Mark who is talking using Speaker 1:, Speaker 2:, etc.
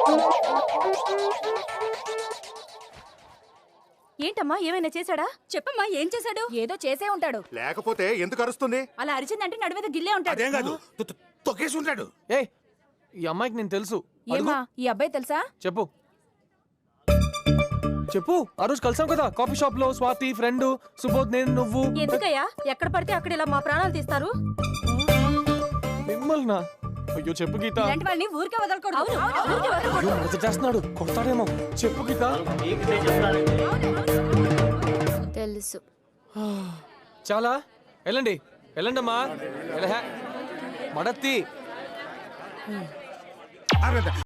Speaker 1: ఏంటమ్మా ఏమైనా చేశాడా? చెప్పమ్మా ఏం చేశాడు?
Speaker 2: ఏదో చేసే ఉంటాడు.
Speaker 3: లేకపోతే ఎందుకు అరుస్తుంది?
Speaker 1: అలా అరిచిందంటే నడు మీద గిల్లే ఉంటాడు.
Speaker 3: అదేం కాదు, తొక్కేసి ఉంటాడు.
Speaker 4: ఏయ్, ఈ అమ్మాయికి నేను తెలుసు.
Speaker 2: ఏమా ఈ అబ్బాయి తెలుసా?
Speaker 4: చెప్పు చెప్పు. ఆ రోజు కలిసాం కదా కాఫీ షాప్ లో. స్వాతి ఫ్రెండ్, సుబోధ్, నేను, నువ్వు.
Speaker 1: ఎందుకయ్యా ఎక్కడ పడితే అక్కడ ఇలా మా ప్రాణాలు తీస్తారు?
Speaker 4: మిమ్మల్నా? అయ్యో చెప్పు గీత.
Speaker 2: ఇలాంటి వాళ్ళని ఊరికే వదలకూడదు.
Speaker 4: అయ్యో, మడత చేస్తున్నాడు, కొడతాడేమో. చెప్పు గీత.
Speaker 5: తెలుసు.
Speaker 4: చాలా వెళ్ళండి వెళ్ళండి అమ్మా. మడత్తి.